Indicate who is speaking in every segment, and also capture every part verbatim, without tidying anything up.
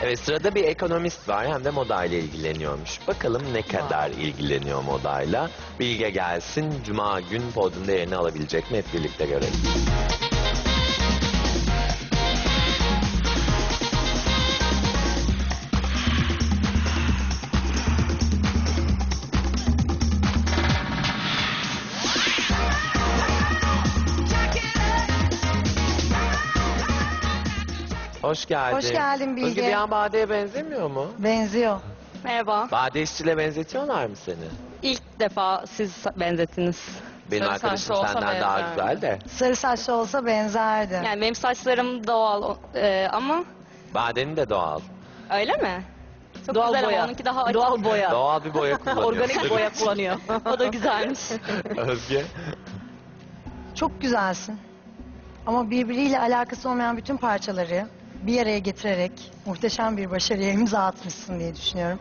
Speaker 1: Evet, sırada bir ekonomist var, hem de modayla ilgileniyormuş. Bakalım ne kadar ilgileniyor modayla. Bilge gelsin, Cuma gün podyumda yerini alabilecek mi, hep birlikte görelim. Hoş geldin.
Speaker 2: Hoş geldin Bilge.
Speaker 1: Özge, bir an Bade'ye benzemiyor mu?
Speaker 2: Benziyor.
Speaker 3: Merhaba.
Speaker 1: Bade İşçi'yle benzetiyorlar mı seni?
Speaker 3: İlk defa siz benzettiniz.
Speaker 1: Benim
Speaker 4: Sarı
Speaker 1: arkadaşım
Speaker 4: saçlı olsa
Speaker 1: senden daha
Speaker 4: benzerdi.
Speaker 1: güzel de.
Speaker 2: Sarı saçlı olsa benzerdi.
Speaker 3: Yani benim saçlarım doğal e, ama
Speaker 1: Bade'nin de doğal.
Speaker 3: öyle mi? Çok
Speaker 5: Doğal
Speaker 3: güzel
Speaker 5: boya.
Speaker 3: ama onunki daha açık.
Speaker 5: Doğal boya.
Speaker 1: Doğal bir boya kullanıyor.
Speaker 5: Organik boya kullanıyor.
Speaker 3: O da güzelmiş.
Speaker 1: Özge.
Speaker 2: Çok güzelsin. Ama birbiriyle alakası olmayan bütün parçaları bir araya getirerek muhteşem bir başarıya imza atmışsın diye düşünüyorum.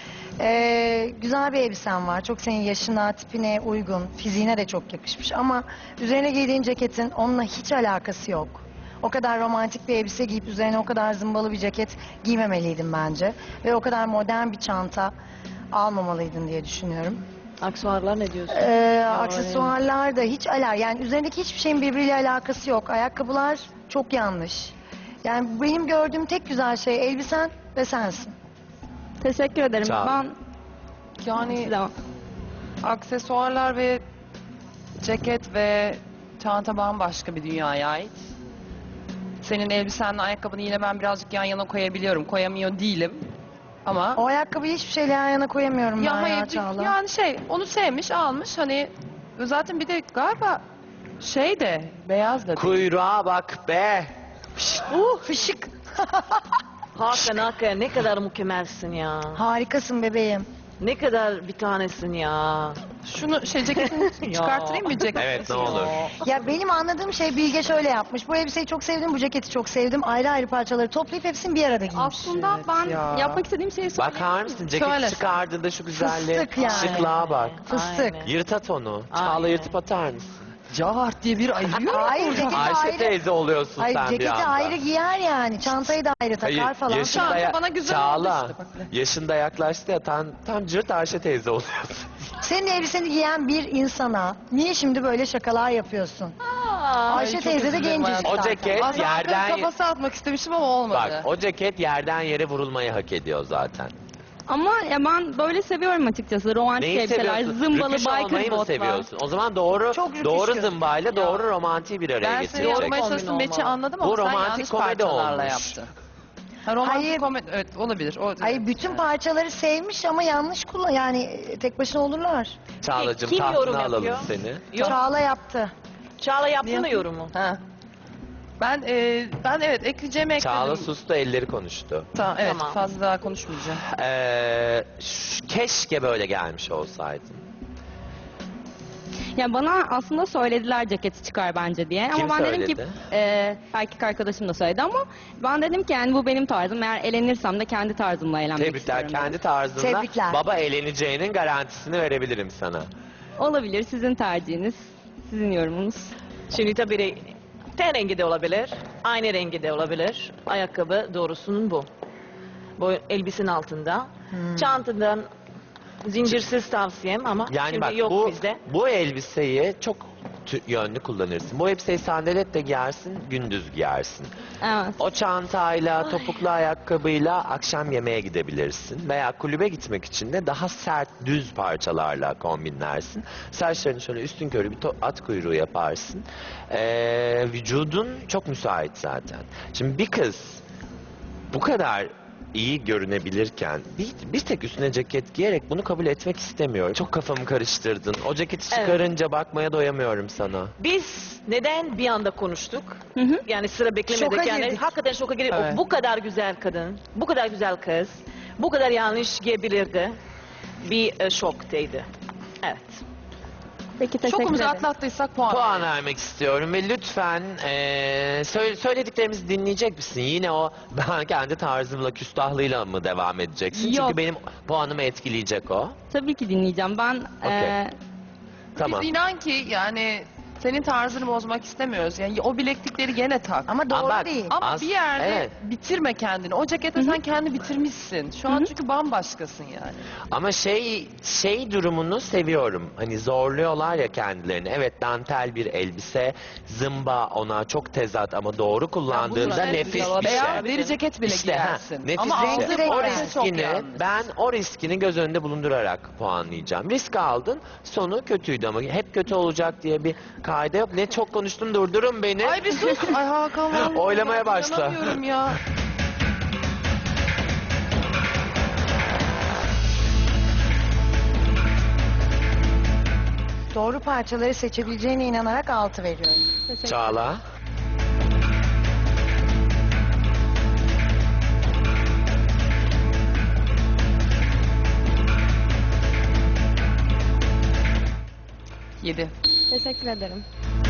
Speaker 2: Ee, güzel bir elbisen var. Çok senin yaşına, tipine uygun. Fiziğine de çok yakışmış. Ama üzerine giydiğin ceketin onunla hiç alakası yok. O kadar romantik bir elbise giyip üzerine o kadar zımbalı bir ceket giymemeliydin bence. Ve o kadar modern bir çanta almamalıydın diye düşünüyorum.
Speaker 5: Aksuarlar ne diyorsun?
Speaker 2: Ee, aksesuarlar da hiç ala, yani üzerindeki hiçbir şeyin birbiriyle alakası yok. Ayakkabılar çok yanlış. Yani benim gördüğüm tek güzel şey elbisen ve sensin.
Speaker 3: Teşekkür ederim.
Speaker 1: Sağ ol.
Speaker 3: Ben
Speaker 4: Yani
Speaker 3: size
Speaker 4: aksesuarlar ve ceket ve çanta bambaşka bir dünyaya ait. Senin elbisenle ayakkabını yine ben birazcık yan yana koyabiliyorum. Koyamıyor değilim. Ama
Speaker 2: O ayakkabıyı hiçbir şeyle yan yana koyamıyorum
Speaker 4: ya
Speaker 2: ben ya
Speaker 4: hayır,
Speaker 2: Çağla.
Speaker 4: yani şey onu sevmiş almış hani zaten bir de galiba şey de beyaz da değil.
Speaker 1: Kuyruğa bak be.
Speaker 2: Uh, fışık.
Speaker 5: Hakan Hakan ne kadar mükemmelsin ya.
Speaker 2: Harikasın bebeğim.
Speaker 5: Ne kadar bir tanesin ya.
Speaker 4: Şunu şey ceketini çıkartayım mı ceket?
Speaker 1: Evet, ne olur.
Speaker 2: Ya benim anladığım şey Bilge şöyle yapmış. Bu elbiseyi çok sevdim, bu ceketi çok sevdim. Ayrı ayrı parçaları toplayıp hepsini bir arada giymiş.
Speaker 3: aslında ben
Speaker 4: ya.
Speaker 3: yapmak istediğim şeyi söyleyeyim.
Speaker 1: Bakar mısın, ceketi
Speaker 4: Söyle.
Speaker 1: çıkardığında şu güzelliğe,
Speaker 2: Fıstık yani.
Speaker 1: şıklığa bak.
Speaker 2: Fıstık.
Speaker 5: Aynen.
Speaker 1: Yırt at onu. Çağla,
Speaker 5: Aynen.
Speaker 1: yırtıp atar mısın?
Speaker 4: Cahart diye bir ayırıyor.
Speaker 2: Hayır, ceketi
Speaker 1: Ayşe
Speaker 2: ayrı.
Speaker 1: teyze oluyorsun
Speaker 2: Hayır,
Speaker 1: sen bir
Speaker 2: ceketi
Speaker 1: anda.
Speaker 2: ayrı giyer yani. Çantayı da ayrı takar
Speaker 1: Hayır,
Speaker 2: falan.
Speaker 1: yaşında,
Speaker 4: Çanta
Speaker 1: ya-
Speaker 4: bana güzel
Speaker 1: Çağla,
Speaker 4: oldu işte, bak.
Speaker 1: yaşında yaklaştı ya, tam, tam cırt Ayşe teyze oluyorsun.
Speaker 2: Senin elbiseni giyen bir insana niye şimdi böyle şakalar yapıyorsun? Ayşe
Speaker 4: çok
Speaker 2: teyze de
Speaker 4: özür dilerim
Speaker 2: gencecik
Speaker 1: O
Speaker 2: zaten.
Speaker 1: ceket
Speaker 4: Aslında
Speaker 1: yerden...
Speaker 4: kafası atmak istemiştim ama olmadı.
Speaker 1: Bak, o ceket yerden yere vurulmayı hak ediyor zaten.
Speaker 3: Ama ya ben böyle seviyorum açıkçası. Romantik
Speaker 1: Neyi
Speaker 3: elbiseler,
Speaker 1: seviyorsun?
Speaker 3: zımbalı
Speaker 1: Rüküş olmayı
Speaker 3: biker
Speaker 1: mı
Speaker 3: botlar.
Speaker 1: seviyorsun? O zaman doğru
Speaker 2: Çok rüküş
Speaker 1: doğru
Speaker 2: göz.
Speaker 1: zımbayla doğru romantiği bir araya
Speaker 4: Ben seni
Speaker 1: getirecek.
Speaker 4: yormaya
Speaker 5: Kombin
Speaker 4: çalıştım Beçi
Speaker 5: olmalı.
Speaker 4: anladım
Speaker 1: Bu
Speaker 4: ama sen
Speaker 1: romantik
Speaker 4: yanlış
Speaker 1: komedi
Speaker 4: parçalarla
Speaker 1: olmuş.
Speaker 4: yaptın. Ha, romantik
Speaker 2: Hayır.
Speaker 4: komedi evet olabilir. O,
Speaker 2: Ay
Speaker 4: evet.
Speaker 2: bütün parçaları sevmiş ama yanlış kullan, yani e, tek başına olurlar.
Speaker 1: Çağla'cığım,
Speaker 5: Kim yorum
Speaker 1: tahtına alalım
Speaker 5: yapıyor?
Speaker 1: seni.
Speaker 5: Yok.
Speaker 2: Çağla yaptı.
Speaker 5: Çağla yaptı mı
Speaker 4: Niye?
Speaker 5: yorumu?
Speaker 4: Ha. Ben e, ben evet ekleyeceğimi ekledim.
Speaker 1: Çağla sustu, elleri konuştu.
Speaker 4: Tamam, evet
Speaker 5: Tamam.
Speaker 4: fazla daha konuşmayacağım.
Speaker 1: Ee, ş- keşke böyle gelmiş olsaydın.
Speaker 3: Ya bana aslında söylediler ceketi çıkar bence diye.
Speaker 1: Kim
Speaker 3: ama ben dedim ki
Speaker 1: söyledi?
Speaker 3: e, erkek arkadaşım da söyledi ama ben dedim ki yani bu benim tarzım. Eğer elenirsem de kendi tarzımla eğlenmek
Speaker 1: Tebrikler,
Speaker 3: istiyorum.
Speaker 1: kendi tarzında
Speaker 2: Tebrikler.
Speaker 1: baba eğleneceğinin garantisini verebilirim sana.
Speaker 3: Olabilir, sizin tercihiniz, sizin yorumunuz.
Speaker 5: Şimdi tabii ten rengi de olabilir. Aynı rengi de olabilir. Ayakkabı doğrusunun bu. Bu elbisenin altında.
Speaker 1: Hmm.
Speaker 5: Çantadan zincirsiz tavsiyem ama
Speaker 1: Yani
Speaker 5: şimdi
Speaker 1: bak,
Speaker 5: yok
Speaker 1: bu
Speaker 5: bizde.
Speaker 1: bu elbiseyi çok tü- yönlü kullanırsın. Bu elbiseyi sandaletle giyersin, gündüz giyersin.
Speaker 3: Evet.
Speaker 1: O çantayla, topuklu ayakkabıyla akşam yemeğe gidebilirsin. Veya kulübe gitmek için de daha sert, düz parçalarla kombinlersin. Saçlarını şöyle üstün körü bir to- at kuyruğu yaparsın. Ee, vücudun çok müsait zaten. Şimdi bir kız bu kadar iyi görünebilirken bir, bir tek üstüne ceket giyerek bunu kabul etmek istemiyorum. Çok kafamı karıştırdın. O ceketi
Speaker 5: Evet.
Speaker 1: çıkarınca bakmaya doyamıyorum sana.
Speaker 5: Biz neden bir anda konuştuk?
Speaker 3: Hı hı.
Speaker 5: Yani sıra beklemedik.
Speaker 2: Şoka
Speaker 5: yani
Speaker 2: girdik.
Speaker 5: hakikaten şoka girdik.
Speaker 4: Evet.
Speaker 5: O bu kadar güzel kadın, bu kadar güzel kız, bu kadar yanlış giyebilirdi. Bir e, şoktaydı. Evet.
Speaker 3: Peki teşekkür
Speaker 4: Şokumuzu
Speaker 3: ederim.
Speaker 4: atlattıysak puan.
Speaker 1: Puan vermek istiyorum ve lütfen eee, söyle- söylediklerimizi dinleyecek misin? Yine o ben kendi tarzımla, küstahlığıyla mı devam edeceksin?
Speaker 3: Yok.
Speaker 1: Çünkü benim puanımı etkileyecek o.
Speaker 3: Tabii ki dinleyeceğim. Ben
Speaker 1: Okey.
Speaker 3: e,
Speaker 1: Tamam.
Speaker 4: Biz inan ki yani Senin tarzını bozmak istemiyoruz. Yani o bileklikleri gene tak.
Speaker 2: Ama doğru
Speaker 1: Ama bak-
Speaker 2: değil.
Speaker 4: Ama
Speaker 1: As-
Speaker 4: bir yerde
Speaker 1: evet.
Speaker 4: bitirme kendini. O cekete sen kendi bitirmişsin. Şu an çünkü bambaşkasın yani.
Speaker 1: Ama şey şey durumunu seviyorum. Hani zorluyorlar ya kendilerini. Evet, dantel bir elbise, zımba ona çok tezat ama doğru kullandığında
Speaker 5: sene
Speaker 1: nefis
Speaker 5: güzel
Speaker 1: bir şey.
Speaker 4: Veya deri ceket bile
Speaker 1: İşte, ha,
Speaker 4: giyersin.
Speaker 1: nefis
Speaker 4: Ama
Speaker 1: bir şey.
Speaker 4: aldığı
Speaker 1: O
Speaker 4: parça çok
Speaker 1: riskini
Speaker 4: yanlış.
Speaker 1: ben o riskini göz önünde bulundurarak puanlayacağım. Risk aldın, sonu kötüydü ama hep kötü olacak diye bir kaide yok. Ne çok konuştum, durdurun beni.
Speaker 4: Ay bir sus. Ay Hakan vallahi.
Speaker 1: Oylamaya
Speaker 4: ya,
Speaker 1: başla.
Speaker 4: inanamıyorum ya.
Speaker 2: Doğru parçaları seçebileceğine inanarak altı veriyorum.
Speaker 3: Teşekkür
Speaker 1: Çağla.
Speaker 4: Yedi.
Speaker 3: Teşekkür ederim.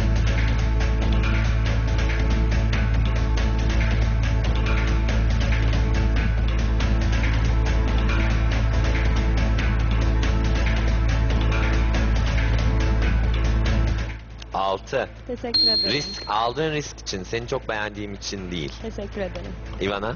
Speaker 1: Altı.
Speaker 3: Teşekkür ederim.
Speaker 1: Risk, aldığın risk için, seni çok beğendiğim için değil.
Speaker 3: Teşekkür ederim.
Speaker 1: Ivana.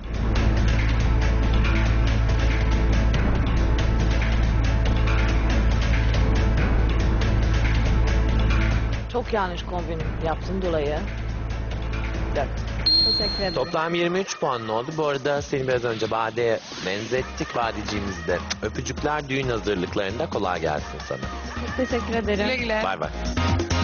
Speaker 5: Çok yanlış kombin yaptın dolayı. Dört.
Speaker 3: Teşekkür ederim.
Speaker 1: Toplam yirmi üç puanın oldu. Bu arada seni biraz önce Bade'ye benzettik. Badeciğimizde öpücükler düğün hazırlıklarında, kolay gelsin sana.
Speaker 3: Teşekkür ederim.
Speaker 4: Güle güle.
Speaker 1: Bay bay.